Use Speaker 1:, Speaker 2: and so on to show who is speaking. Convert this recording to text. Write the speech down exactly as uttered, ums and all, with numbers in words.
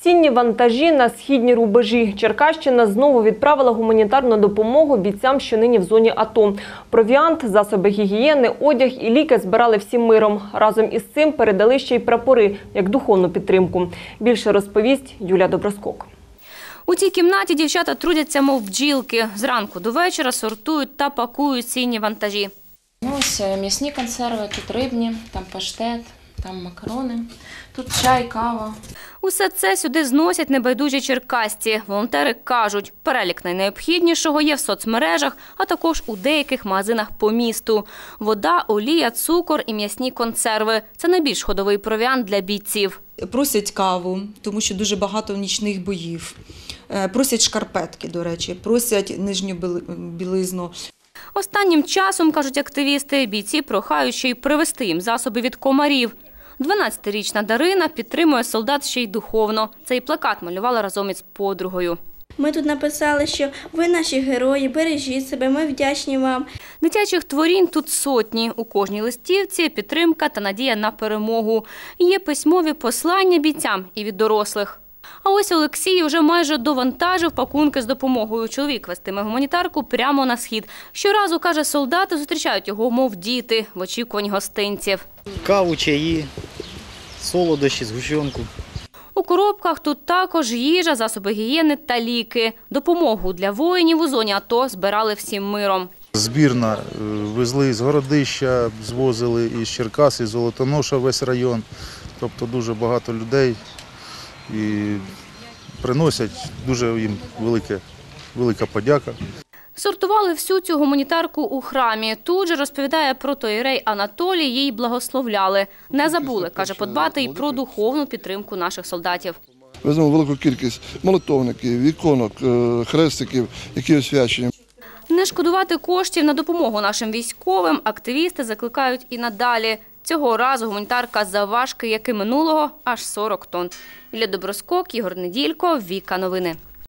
Speaker 1: Цінні вантажі на східні рубежі. Черкащина знову відправила гуманітарну допомогу бійцям, що нині в зоні АТО. Провіант, засоби гігієни, одяг і ліки збирали всім миром. Разом із цим передали ще й прапори, як духовну підтримку. Більше розповість Юлія Доброскок.
Speaker 2: У цій кімнаті дівчата трудяться, мов бджілки. Зранку до вечора сортують та пакують цінні вантажі.
Speaker 3: Ось м'ясні консерви, тут рибні, там паштет, там макарони, тут чай, кава.
Speaker 2: Усе це сюди зносять небайдужі черкасці. Волонтери кажуть, перелік найнеобхіднішого є в соцмережах, а також у деяких магазинах по місту. Вода, олія, цукор і м'ясні консерви – це найбільш ходовий провіант для бійців.
Speaker 4: Просять каву, тому що дуже багато нічних боїв. Просять шкарпетки, до речі, просять нижню білизну.
Speaker 2: Останнім часом, кажуть активісти, бійці прохають ще й привезти їм засоби від комарів. дванадцятирічна Дарина підтримує солдат ще й духовно. Цей плакат малювала разом із подругою.
Speaker 5: Ми тут написали, що ви наші герої, бережіть себе, ми вдячні вам.
Speaker 2: Дитячих творінь тут сотні. У кожній листівці підтримка та надія на перемогу. Є письмові послання бійцям і від дорослих. А ось Олексій вже майже довантажив пакунки з допомогою. Чоловік вестиме гуманітарку прямо на схід. Щоразу, каже, солдати зустрічають його, мов діти, в очікуванні гостинців.
Speaker 6: Каву, чаї, солодощі, згущенку.
Speaker 2: У коробках тут також їжа, засоби гігієни та ліки. Допомогу для воїнів у зоні АТО збирали всім миром.
Speaker 7: Збірна везли з Городища, звозили із Черкас, із Золотоноша весь район. Тобто дуже багато людей. І приносять дуже їм велике, велика подяка.
Speaker 2: Сортували всю цю гуманітарку у храмі. Тут же розповідає протоієрей Анатолій, їй благословляли. Не забули, каже, подбати і про духовну підтримку наших солдатів.
Speaker 8: Веземо велику кількість молитовників, іконок, хрестиків, які освячені.
Speaker 2: Не шкодувати коштів на допомогу нашим військовим активісти закликають і надалі. Цього разу гуманітарка завважки, як і минулого, аж сорок тонн. Юлія Доброскок, Ігор Неділько, Віка Новини.